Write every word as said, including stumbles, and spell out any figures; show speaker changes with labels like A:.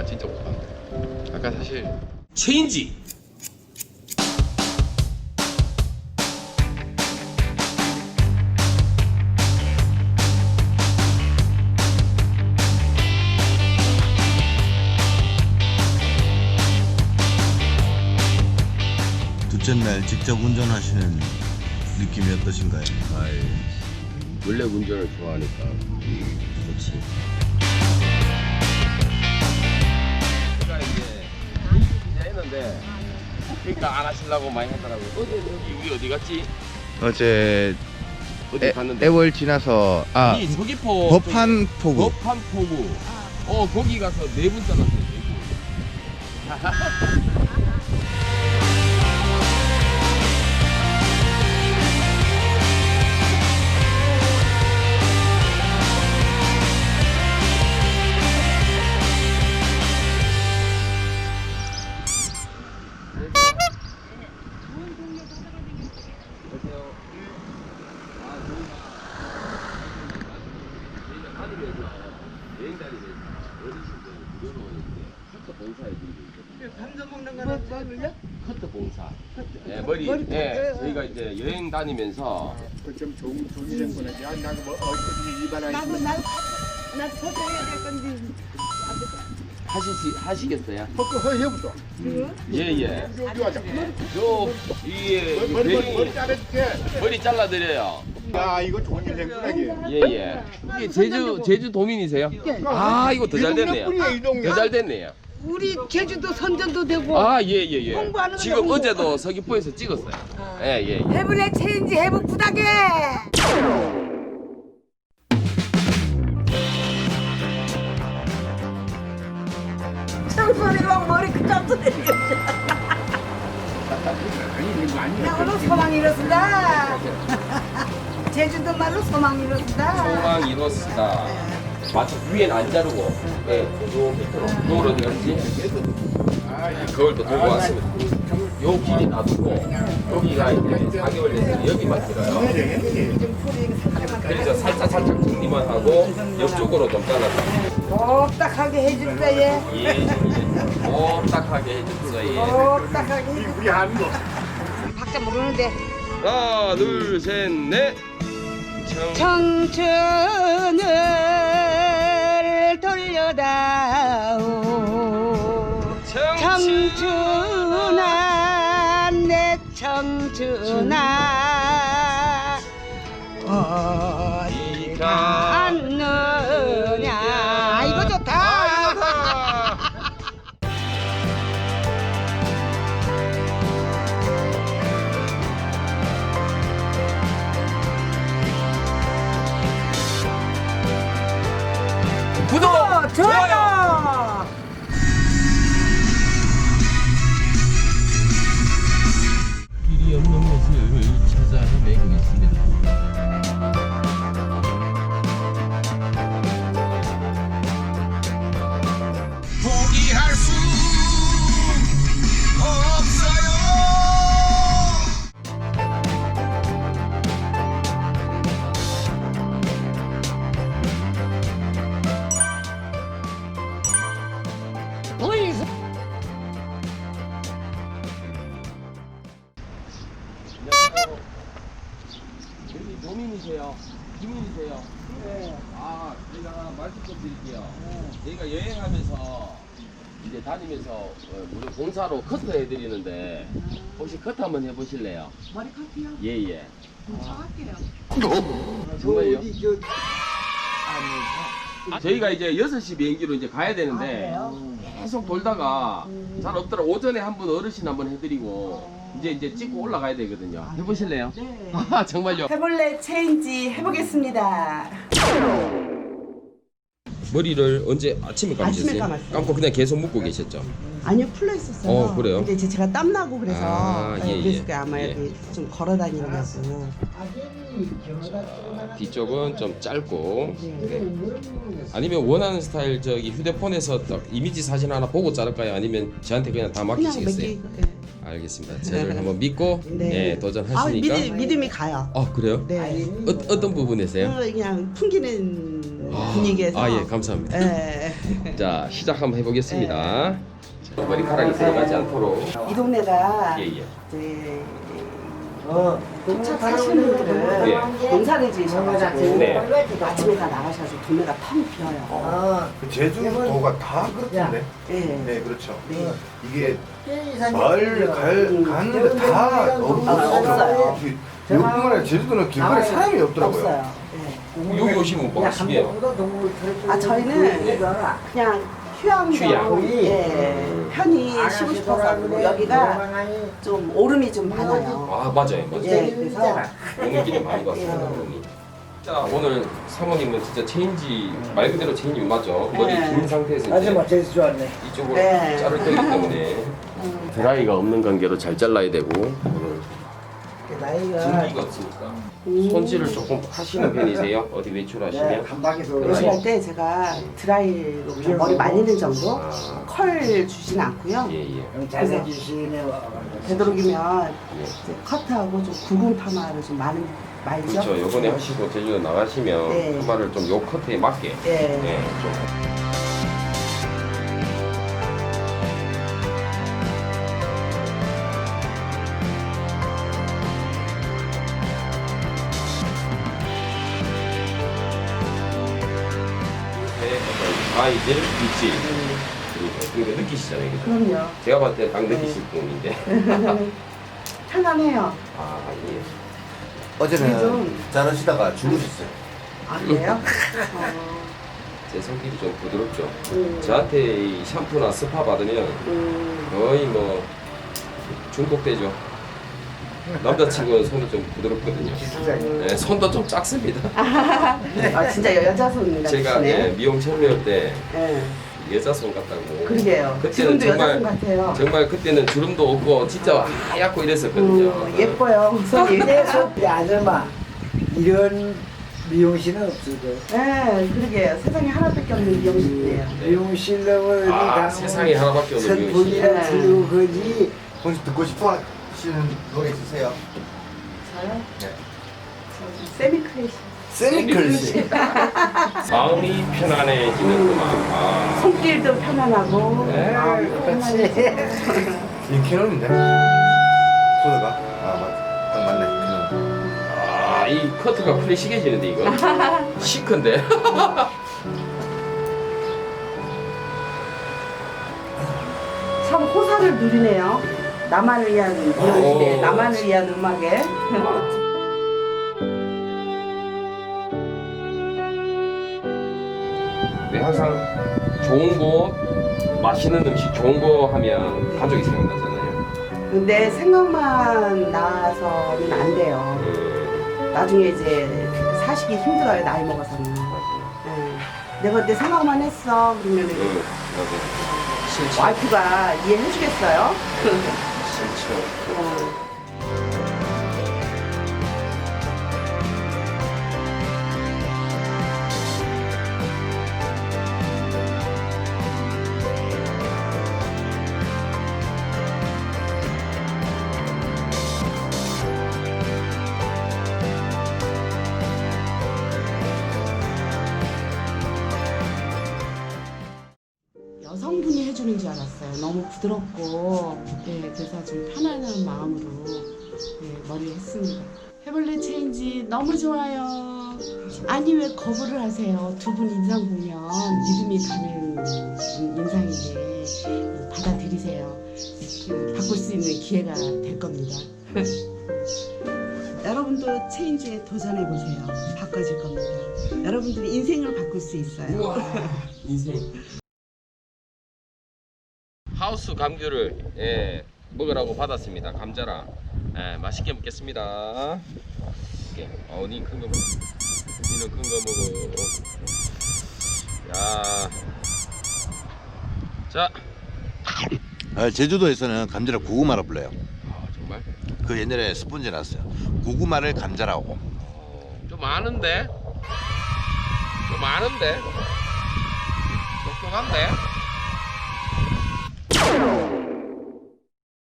A: 진짜 못하는데. 아까 사실
B: 체인지.
C: 둘째 날 직접 운전하시는 느낌이 어떠신가요?
A: 아이, 원래 운전을 좋아하니까 좋지. 제가 이제 인수기자 했는데 그러니까 안 하시려고 많이 하더라고요. 어제 우리 어디 갔지?
C: 어제
A: 어디 갔는데?
C: 애월 지나서 아
A: 이 서귀포
C: 법한 포구
A: 법한 포구. 어 거기 가서 네 분 잘랐어요. 네 분. 여행 다니면서 어르신들 무료로 이제 커터 봉사해드리고
D: 방송 먹는 거는 뭐를요?
A: 커터 봉사. 예, 머리. 예, 저희가 이제 여행 다니면서
E: 그좀 좋은 돈이 된 거네. 야, 나도 뭐 어디 이발하
D: 나도 나도 나도 포장해야 될 건데.
A: 하시시 하시겠어요?
E: 헛거 허해부터.
A: 예예.
E: 여기 와자.
A: 저 이게
E: 머리 머리 머리
A: 머리
E: 자를게.
A: 머리 잘라드려요.
E: 야, 이거 좋은 일 된구나 이게.
A: 예예. 이게 제주 제주 도민이세요? 아 이거 더 잘 됐네요.
E: 이 동네.
A: 더 잘 됐네요.
D: 우리 제주도 선전도 되고
A: 아 예예예.
D: 홍보하는
A: 지금
D: 거죠, 홍보.
A: 어제도 서귀포에서 찍었어요. 예예.
D: 해블랙 체인지 해부 부탁해. 청소리랑 머리 그냥 뜯어내려. 나 오늘 소망 이뤘습니다. 제주도 말로 소망 이뤘습니다.
A: 소망 이뤘습니다. 마치 위엔 안 자르고, 예, 요 밑으로, 요걸 어디 갔지? 그걸 또 들고 왔습니다. 요 길이 놔두고, 여기가 이제 사 개월 됐으니 여기만 길어요. 그래서 살짝 살짝 정리만 하고, 옆쪽으로 좀 잘라서.
D: 똑딱하게 해줍니다 얘.
A: 예, 예. 꼼딱하게 해줬어, 예.
D: 똑딱하게 해줍니다.
E: 우리 하는 거.
D: 박자 모르는데.
A: 하나, 둘, 셋, 넷. 청...
D: 청춘을 돌려다오 청춘아 내 청춘아 어디 갔느냐. 이거 좋다.
A: 구독!
D: 좋아요.
A: 길이 없는 곳을 찾아 헤매고 있습니다. 포기할 수 없어요. 안녕하세요. 여기 노민이세요? 김민이세요? 네. 아, 제가 말씀 좀 드릴게요. 네. 저희가 여행하면서 이제 다니면서 어, 무료 봉사로 커트 해드리는데 혹시 커트 한번 해보실래요?
D: 머리 커트요?
A: 예예.
D: 정할게요.
A: 정말요? 아, 저희가 이제 여섯 시 비행기로 이제 가야 되는데 계속 돌다가 잘 없더라. 오전에 한번 어르신 한번 해드리고 이제 이제 찍고 올라가야 되거든요. 해보실래요?
D: 네.
A: 아 정말요?
D: 해볼래 체인지 해보겠습니다.
A: 머리를 언제 아침에 감으셨어요?
F: 아침에 감았어요.
A: 감고 그냥 계속 묶고 계셨죠?
F: 아니요, 풀려 있었어요.
A: 어, 그래요?
F: 근데 이제 제가 땀 나고 그래서
A: 아,
F: 네,
A: 예,
F: 그래서
A: 예.
F: 아마
A: 예.
F: 여기 좀 걸어 다니려고.
A: 자, 뒤쪽은 좀 짧고
F: 네.
A: 아니면 원하는 스타일 저기 휴대폰에서 딱 이미지 사진 하나 보고 자를까요? 아니면 저한테 그냥 다
F: 그냥
A: 맡기시겠어요?
F: 몇 개. 네.
A: 알겠습니다. 저를 한번 믿고
F: 네.
A: 네,
F: 아,
A: 도전하시니까.
F: 믿음, 믿음이 가요.
A: 아 그래요?
F: 네.
A: 어, 어떤 부분에서요?
F: 어, 그냥 풍기는 분위기에서.
A: 아, 예, 감사합니다.
F: 예.
A: 자, 시작 한번 해보겠습니다. 자, 머리카락이 들어가지 않도록.
D: 이 동네가
A: 예, 예.
D: 이제 농사 사시는 분들은
A: 예.
D: 농사를 지으셔가지고
A: 네.
D: 아침에 다 나가셔가지고 동네가 텅 비어요.
E: 그 제주도가 다 그렇던데.
D: 예.
E: 네, 그렇죠.
D: 네.
E: 이게 마을 갈 가는데 다
D: 없어요.
E: 요뿐만 아니라 제주도는 길거리 사람이 없더라고요.
D: 없어요. 예.
A: 여기 오시면 뭐 하시게요?
D: 아 저희는 그냥 휴양용
A: 휴양.
D: 예, 편히 쉬고 싶어서 그리고 여기가 좀 오름이 좀 많아요.
A: 아, 맞아요, 맞아요.
D: 예, 그래서
A: 오늘길에 많이 봤습니다, 오늘. 자, 오늘 사모님은 진짜 체인지, 말 그대로 체인지 맞죠? 머리
D: 네.
A: 긴 상태에서
B: 아주
A: 이제
B: 멋져서 좋았네.
A: 이쪽으로
D: 네.
A: 자를 거기 때문에 드라이가 없는 관계로 잘 잘라야 되고 오늘
B: 나이가
A: 증기가 없으니까 손질을 조금 하시는 편이세요? 어디 외출하시면?
B: 감박에서
D: 외출할 때 제가 드라이로 그냥 머리 말리는 정도
A: 아,
D: 컬 주진 않고요.
A: 예, 예.
B: 잘생기시네.
D: 되도록이면 이제 커트하고 좀 굵은 파마를 좀 많이 말죠.
A: 그렇죠. 요번에 하시고 제주도 나가시면
D: 네.
A: 파마를 좀 요 커트에 맞게
D: 예.
A: 네, 좀. 아이들 입질 그리고 이거 느끼시잖아요. 그죠?
D: 그럼요.
A: 제가 봤을 때 딱 느끼실 분인데.
D: 편안해요.
A: 아, 예.
E: 어제는
D: 좀-
E: 자르시다가 주무셨어요.
D: 아 그래요? 어,
A: 제 손길이 좀 부드럽죠.
D: 음.
A: 저한테 이 샴푸나 스파 받으면
D: 음,
A: 거의 뭐 중독되죠. 남자친구는 손이 좀 부드럽거든요. 네, 손도 좀 작습니다.
D: 아 진짜 여자 손 같으시네.
A: 제가 예, 미용 처음에 때
D: 예.
A: 여자 손 같다고.
D: 그러게요.
A: 그때는
D: 지금도 여자
A: 정말
D: 손 같아요.
A: 정말 그때는 주름도 없고 진짜 하얗고 이랬었거든요.
D: 음, 예뻐요 손이.
B: 근데 아줌마 이런 미용실은 없어도
D: 예, 그러게요. 세상에 하나밖에 없는 미용실이에요.
A: 네.
B: 미용실로
A: 아, 세상에 하나밖에 없는 미용실.
B: 선풍기랑
D: 네.
B: 틀고 거지.
E: 혹시 듣고 싶어 하시는 노래 있으세요?
D: 저요?
E: 네.
D: 세미크래시.
E: 세미클시.
A: 마음이 편안해지는구만. 아,
D: 손길도 편안하고
A: 네,
D: 마음도
B: 그렇지.
D: 편안해지고.
E: 이 캐논인데? 소다가? 아, 맞, 딱 맞네. 캐논.
A: 아, 이 커트가 플래시해지는데 이거 시크인데.
D: 참 호사를 누리네요. 나만을 위한 미용실에
A: 오.
D: 나만을 위한 음악에.
A: 네, 항상 좋은 곳, 맛있는 음식, 좋은 거 하면 가족이 생각나잖아요.
D: 근데 생각만 나서는 안 돼요.
A: 그,
D: 나중에 이제 사시기 힘들어요. 나이 먹어서는. 예. 내가 그때 생각만 했어. 그러면
A: 그, 맞아요. 실천.
D: 와이프가 이해해 주겠어요?
A: 실천.
D: 어. 여성분이 해주는 줄 알았어요. 너무 부드럽고, 예, 그래서 좀 편안한 마음으로 예, 머리를 했습니다. 해볼래 체인지 너무 좋아요. 아니 왜 거부를 하세요? 두 분 인상 보면 믿음이 가는 인상인데 받아들이세요. 그, 바꿀 수 있는 기회가 될 겁니다. 여러분도 체인지에 도전해 보세요. 바꿔질 겁니다. 여러분들이 인생을 바꿀 수 있어요.
A: 우와, 인생. 하우스 감귤을 예, 먹으라고 받았습니다. 감자랑 예, 맛있게 먹겠습니다. 예, 어, 니 큰 거 먹어. 니는 큰 거 먹어. 야, 자,
C: 아, 제주도에서는 감자를 고구마라 불러요.
A: 아, 정말
C: 그 옛날에 스폰지 나왔어요. 고구마를 감자라고.
A: 어, 좀 많은데, 좀 많은데, 똑똑한데.